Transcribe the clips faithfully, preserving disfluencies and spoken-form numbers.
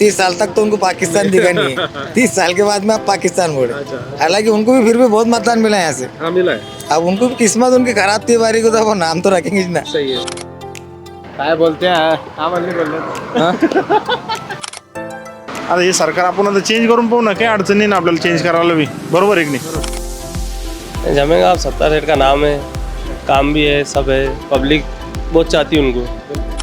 तीस साल तक तो उनको पाकिस्तान दिखा नहीं है, तीस साल के बाद में आप पाकिस्तान बोले। हालांकि उनको भी फिर भी बहुत मतदान मिला है यहाँ से। हाँ मिला है। अब उनको भी किस्मत उनकी खराब थी बारी को, तो वो नाम तो रखेंगे ही ना। सही है। काय बोलते हैं आम्हाला नाही बोलले आता हे सरकार आपण आता चेंज करून पाहू ना, काही अडचण नाही ना आपल्याला चेंज करायला बी, बरोबर आहे की नाही? जमेगा। आप सत्ता सेठ का नाम है, काम भी है, सब है, पब्लिक बहुत चाहती है उनको।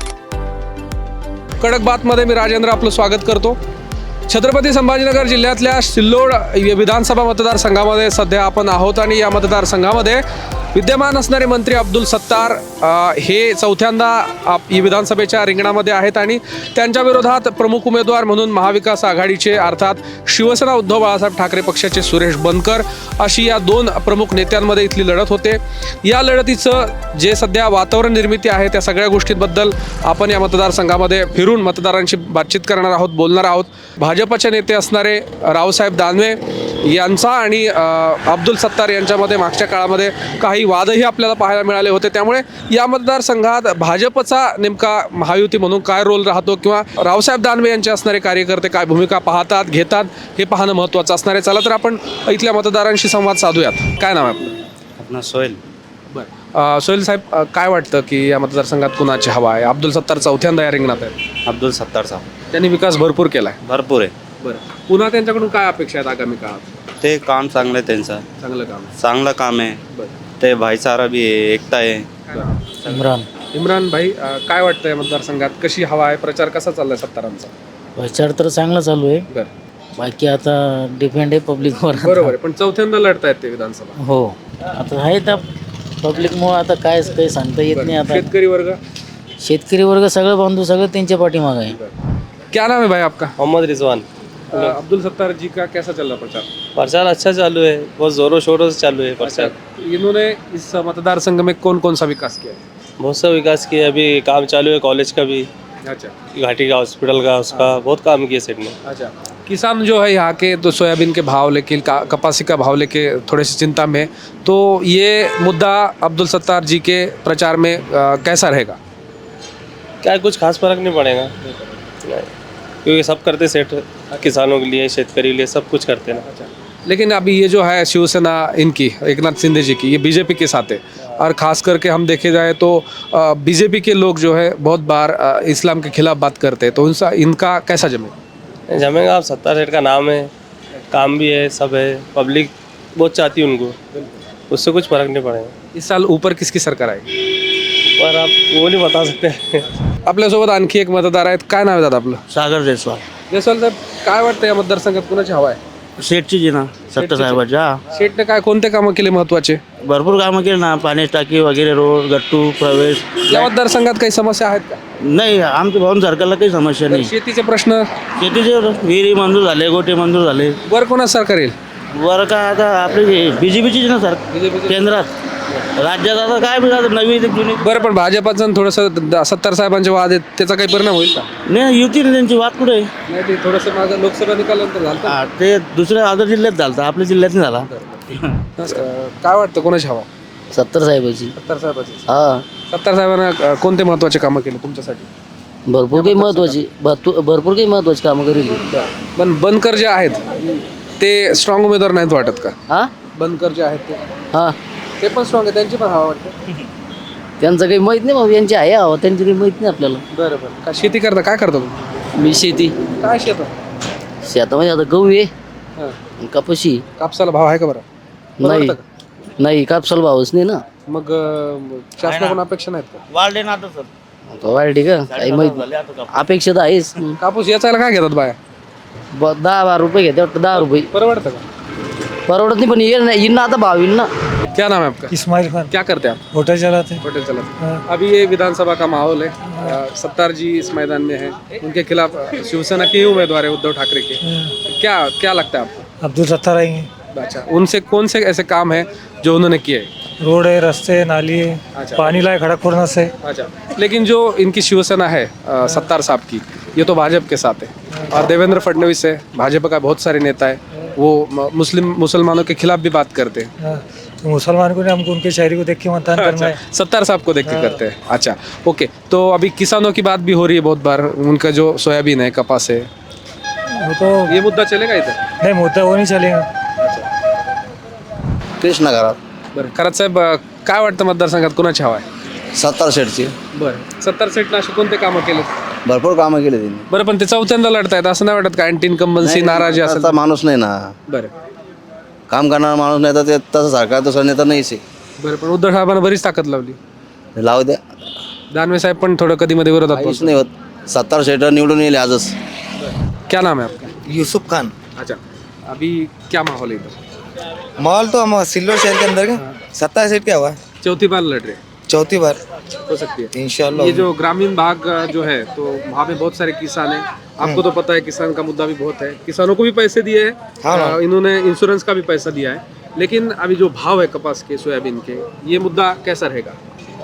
कडक बातमध्ये मी राजेंद्र आपलं स्वागत करतो। छत्रपती संभाजीनगर जिल्ह्यातल्या सिल्लोड विधानसभा मतदारसंघामध्ये सध्या आपण आहोत आणि या मतदारसंघामध्ये विद्यमान असणारे मंत्री अब्दुल सत्तार हे चौथ्यांदा आप विधानसभेच्या रिंगणामध्ये आहेत आणि त्यांच्या विरोधात प्रमुख उमेदवार म्हणून महाविकास आघाडीचे अर्थात शिवसेना उद्धव बाळासाहेब ठाकरे पक्षाचे सुरेश बनकर अशी या दोन प्रमुख नेत्यांमध्ये इथली लढत होते। या लढतीचं जे सध्या वातावरण निर्मिती आहे त्या सगळ्या गोष्टींबद्दल आपण या मतदारसंघामध्ये फिरून मतदारांशी बातचीत करणार आहोत, बोलणार आहोत। भाजपचे नेते असणारे रावसाहेब दानवे यांचा आणि अब्दुल सत्तार यांच्यामध्ये मागच्या काळामध्ये काही वादही आपल्याला पाहायला मिळाले होते। त्यामुळे या मतदारसंघात भाजपचा नेमका महायुती म्हणून काय रोल राहतो किंवा रावसाहेब दानवे यांचे असणारे कार्यकर्ते काय भूमिका पाहतात घेतात हे पाहणं महत्त्वाचं असणार आहे। चला तर आपण इथल्या मतदारांशी संवाद साधूयात। काय नाव आहे आपलं? अपना सोहेल। बरं, सोहेल साहेब, काय वाटतं की या मतदारसंघात कुणाची हवा आहे? अब्दुल सत्तार चौथ्यांदा या रिंगणात आहेत। अब्दुल सत्तार साहब त्यांनी विकास भरपूर केला आहे। भरपूर आहे। बरं, पुन्हा त्यांच्याकडून काय अपेक्षा आहेत आगामी काळात? ते काम चांगलं आहे त्यांचं, चांगलं काम आहे। चांगलं काम आहे। बरं, ते भाईचारा भी आहे, एकता आहे। इम्रान इम्रान भाई, अ, काय वाटतं या मतदारसंघात कशी हवा आहे? प्रचार कसा चाललाय सत्तारांचा? प्रचार तर चांगला चालू आहे, बरं, बाकी आता डिपेंड आहे पब्लिकवर। बरोबर आहे, पण चौथ्यांदा लढतायत ते विधानसभा। हो, आता आहे तर पब्लिकमुळे आता काय काही सांगता येत नाही। आता शेतकरी वर्ग, शेतकरी वर्ग सगळं बांधू सगळं त्यांच्या पाठीमागं आहे। क्या नाम है भाई आपका? मोहम्मद रिजवान। अ, अब्दुल सत्तार जी का कैसा चल रहा प्रचार? प्रचार अच्छा चालू है, बहुत जोरों शोरों से चालू है प्रचार। इन्होंने इस मतदार संघ में कौन कौन सा विकास किया? बहुत सा विकास किया, अभी काम चालू है कॉलेज का भी, अच्छा घाटी का हॉस्पिटल का, उसका बहुत काम किया सेठ ने। अच्छा। किसान जो है यहाँ के तो सोयाबीन के भाव लेके का- कपासी का भाव लेके थोड़े से चिंता में, तो ये मुद्दा अब्दुल सत्तार जी के प्रचार में अ, कैसा रहेगा? क्या कुछ खास फर्क नहीं पड़ेगा नहीं, क्योंकि सब करते सेठ, किसानों के लिए, शेतकरी के लिए सब कुछ करते ना। लेकिन अभी ये जो है शिवसेना इनकी एकनाथ शिंदे जी की, ये बीजेपी के साथ है और ख़ास करके हम देखे जाए तो बीजेपी के लोग जो है बहुत बार अ, इस्लाम के खिलाफ बात करते हैं, तो उनसा इनका कैसा जमे? जमेगा। आप सत्ता सेठ का नाम है, काम भी है, सब है, पब्लिक बहुत चाहती है उनको, उससे कुछ फर्क नहीं पड़ेगा। इस साल ऊपर किसकी सरकार आएगी? पर आप वो नहीं बता सकते। आपल्यासोबत आणखी एक मतदार आहेत। काय नाव आहे दादा आपलं? सागर जयस्वाल। जयस्वाल साहेब, काय वाटतं या मतदारसंघात कुणाची हवा आहे? शेठची जी ना सत्ता साहेबाच्या शेटने काय कोणते कामं केले महत्त्वाचे? भरपूर कामं केली ना, पाण्याची टाकी वगैरे, रोड, गट्टू, प्रवेश। या मतदारसंघात काही समस्या आहेत का? नाही, आमच्या भाऊन सरकारला काही समस्या नाही। शेतीचे प्रश्न शेतीचे विहिरी मंजूर झाले, गोटे मंजूर झाले। वर कोणाचं सरकार येईल? वर का आता आपली बीजेपीची ना सर केंद्रात, राज्यात आता काय म्हणजे नवी जुनी बरं, पण भाजपाचं थोडंसं सत्तार साहेबांचे वाद आहेत, त्याचा काही परिणाम होईल का? नाही, युती ना त्यांची वाद कुठे आहे? नाही, ते थोडंसं माझं लोकसभा निकालानंतर झालं. हा, ते दुसऱ्या अदर जिल्ह्यात झालं, आपल्या जिल्ह्यात नाही झाला। काय वाटतं कोणाची हवा? सत्तर साहेबाची। सत्तार साहेबाची। हा, सत्तार साहेबांना अ, कोणते महत्त्वाचे कामं केले तुमच्यासाठी? भरपूर काही महत्वाची भरपूर भरपूर काही महत्वाची कामं करेल। पण बनकर जे आहेत ते स्ट्रॉंग उमेदवार नाहीत वाटत का? हा बनकर जे आहेत ते हा, ते पण स्ट्रॉंग आहे, त्यांची पण हवा वाटतं. त्यांचं काही माहीत नाही भाऊ, यांची आहे हवा, त्यांची काही माहीत नाही आपल्याला। बरं बरं. काय शेती करता? काय करता तुम्ही? मी शेती, काय शेत? शेतामध्ये आता गहू आहे, हां. कापशी कापसाला भाव आहे का बरं? नाही, परवडतं का? नाही कापसाला भावच नाही ना। मग अ, शासनाकडून अपेक्षा नाहीत का? वाढले ना आता सर, आता वाढली का काही माहित, अपेक्षा तर आहेच। कापूस याचायला काय घेतात बाया? ब- दहा बारा रुपये घेते वाटतं, दहा रुपये परवडतं का? परवडत नाही, पण येईल ना, येईल ना आता भाव येईल ना। क्या नाम है आपका? इस्माइल खान, क्या करते हैं आप? होटल चलाते हैं। होटल चलाते हैं। अभी ये विधानसभा का माहौल है, अ, सत्तार जी इस मैदान में है, उनके खिलाफ अ, शिवसेना के ही उम्मीदवार है उद्धव ठाकरे के। क्या क्या लगता है आपको? अब्दुल सत्तार आएंगे। अच्छा, उनसे कौन से ऐसे काम है जो उन्होंने किए हैं? रोड है, रास्ते है, नाली है, अच्छा। पानी लाए खड़गपुर से। अच्छा, लेकिन जो इनकी शिवसेना है अ, सत्तार साहब की, ये तो भाजपा के साथ है और देवेंद्र फडणवीस है, भाजपा का बहुत सारे नेता है, वो म- मुस्लिम मुसलमानों के खिलाफ भी बात करते हैं। हाँ, तो मुसलमान को नहीं, हमको उनके शायरी को देख के मतदान करना है। सत्तार साहब को देख के करते हैं। अच्छा, ओके। तो अभी किसानों की बात भी हो रही है बहुत बार, उनका जो सोयाबीन है, कपास है, वो तो ये मुद्दा चलेगा इधर? नहीं मुद्दा वो नहीं चलेगा. कृष्णा घरात बरं खरंच साहेब अं, काय वाटतं मतदारसंघात कोणाची हवा आहे? सत्तर शेटची बरं सत्तर सीटनं असे कोणते कामं केले? भरपूर कामं केली त्यांनी. बरं पण ते चौथ्यांदा लढतायत असं नाही वाटत का? अँटी इन्कम्बन्सी नाराजी असेल? तसा माणूस नाही ना, बरं काम करणारा माणूस नाही तर ते तसं सरकार तसं नेता नाहीच आहे. बरं पण उद्धव साहेबांना बरीच ताकद लावली. लावू द्या, दानवे साहेब पण थोडं कधी मध्ये विरोधात काहीच पोहोचले. नाही होत. सत्तर शेट निवडून येईल आजच. क्या नाम है आपका? यूसुफ खान. अच्छा अभी क्या माहौल है इधर? माहौल तो हम सिल्लोड शहर के अंदर का सत्ता सीट क्या हुआ, चौथी बार लड़ रहे हैं, चौथी बार हो सकती है इंशाल्लाह. ये जो ग्रामीण भाग अ, जो है तो वहाँ पे बहुत सारे किसान हैं. आपको तो पता है किसान का मुद्दा भी बहुत है. किसानों को भी पैसे दिए हैं, हाँ ना. अ, इन्होंने इंश्योरेंस का भी पैसा दिया है. लेकिन अभी जो भाव है कपास के सोयाबीन के, ये मुद्दा कैसा रहेगा?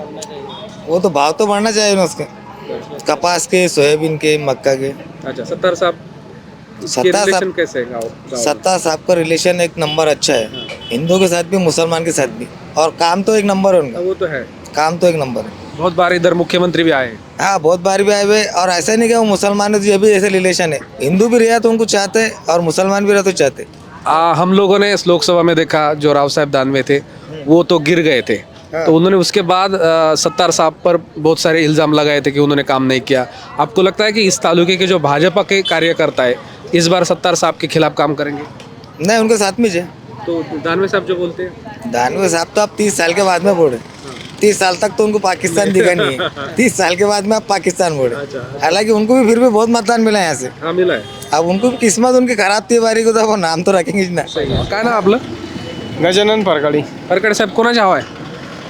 वो तो भाव तो बढ़ना चाहिए ना उसके, कपास के, सोयाबीन के, मक्का के. अच्छा सत्तार साहब के सत्तार साहब- रिलेशन कैसे है गाँव गाँव में? सत्ता साहब का रिलेशन एक नंबर अच्छा है, हिंदू के साथ भी मुसलमान के साथ भी, और काम तो एक नंबर है उनका, वो तो है. काम तो एक नंबर है. बहुत बार इधर मुख्यमंत्री भी आए हैं. हाँ बहुत बार भी आए हुए, और ऐसा नहीं कि वो मुसलमान है तो ये भी ऐसे रिलेशन है, हिंदू भी रहा तो उनको चाहते हैं और मुसलमान भी रहा तो चाहते. आ, हम लोगों ने इस लोकसभा में देखा जो राव साहब दानवे थे वो तो गिर गए थे. तो उन्होंने उसके बाद अ, सत्तार साहब पर बहुत सारे इल्ज़ाम लगाए थे कि उन्होंने काम नहीं किया. आपको लगता है कि इस तालुके के जो भाजपा के कार्यकर्ता है इस बार सत्तार साहब के खिलाफ काम करेंगे? नहीं उनके साथ में है. तो दानवे साहब जो बोलते हैं, दानवे साहब तो आप तीस साल के बाद में बोले, तीस साल तक तो उनको पाकिस्तान दिखा नहीं है, तीस साल के बाद में आप पाकिस्तान बोले. हालांकि उनको भी फिर भी बहुत मतदान मिला है यहाँ से. हाँ मिला है. अब उनको भी किस्मत उनकी खराब थी बारी को, तो वो नाम तो रखेंगे ही ना. काय ना आपलं? गजानन फरकाडी. परकडे साहेब कोणाची हवा आहे?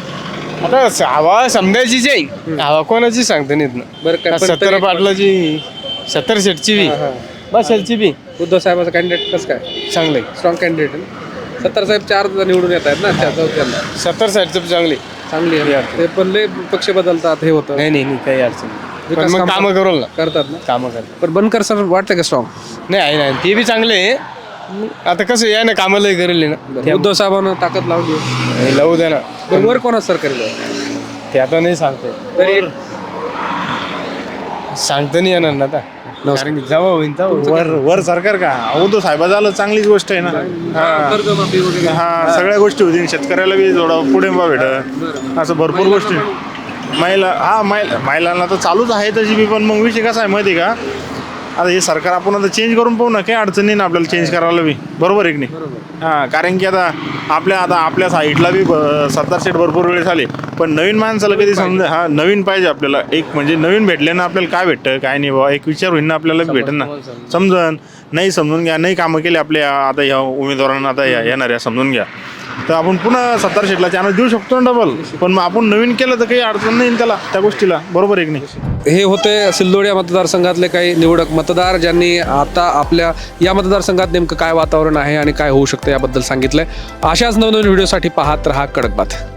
आता हवा समजायचीच आहे, हवा कोणाची सांगता नाहीत ना. बरं काय पण सत्तर तरी- पाटलाची, सत्तर शेटची बी, हां. बस ह्याची बी उद्धव साहेबाचा कॅन्डिडेट कसं काय? चांगले. स्ट्रॉंग कॅन्डिडेट आहे ना. सत्तार साहेब चार निवडून येत आहेत ना त्या चौथ्यांदा. सत्तर साईडचं चांगली. चांगली आहे. ते पण लय पक्ष बदलतात हे होतं. नाही नाही नाही, काही अडचण नाही. पण विकास मग कामं कामं करू ना, करतात ना. कामं करतात. पण बनकर सर वाटतं का स्ट्रॉंग? नाही आहे नाही, ते बी चांगले आहे. आता कसं या ना कामाला करेल ना, उद्धव साहेबांना ताकद लावली आहे. हे लावू द्या ना. पण वर कोणा सर करेल? ते आता नाही सांगते, तरी सांगता नाही येणार ना आता. कारण की जेव्हा होईन तेव्हा वर वर सरकार का उद्धव साहेबा झालं चांगलीच गोष्ट आहे ना. हा कर्जमाफी वगैरे. हा सगळ्या गोष्टी होतील, शेतकऱ्याला बी थोडं पुढे बा भेट, असं भरपूर गोष्टी. महिला हा महिला महिलांना तर चालूच आहे तशी बी, पण मग विषय कसा आहे माहिती आहे का, आता हे सरकार आपण आता चेंज करून पाहू ना, काही अडचण नाही ना आपल्याला चेंज करायला बी. बरोबर आहे की नाही? हां कारण की आता आपल्या आता आपल्या साईडला बी सत्तार सीट भरपूर वेळेस आले, पण नवीन माणसाला कधी समजा हा नवीन पाहिजे आपल्याला. एक म्हणजे नवीन भेटले ना आपल्याला काय भेटतं काय नाही बाबा एक विचार होईल ना आपल्याला बी भेटेल ना. समजन नाही समजून घ्या, नाही कामं केली आपल्या आता ह्या उमेदवारांना आता या येणाऱ्या समजून घ्या, तर आपण पुन्हा सत्तर सीटला चान्स देऊ शकतो ना डबल. पण मग आपण नवीन केलं तर काही अडचण नाही त्याला त्या गोष्टीला. बरोबर आहे की नाही? हे होते सिल्लोड या मतदारसंघातले काही निवडक मतदार ज्यांनी आता आपल्या या मतदारसंघात नेमकं काय वातावरण आहे आणि काय होऊ शकतं याबद्दल सांगितलंय. अशाच नवनवीन व्हिडिओसाठी पाहत रहा कडक बात.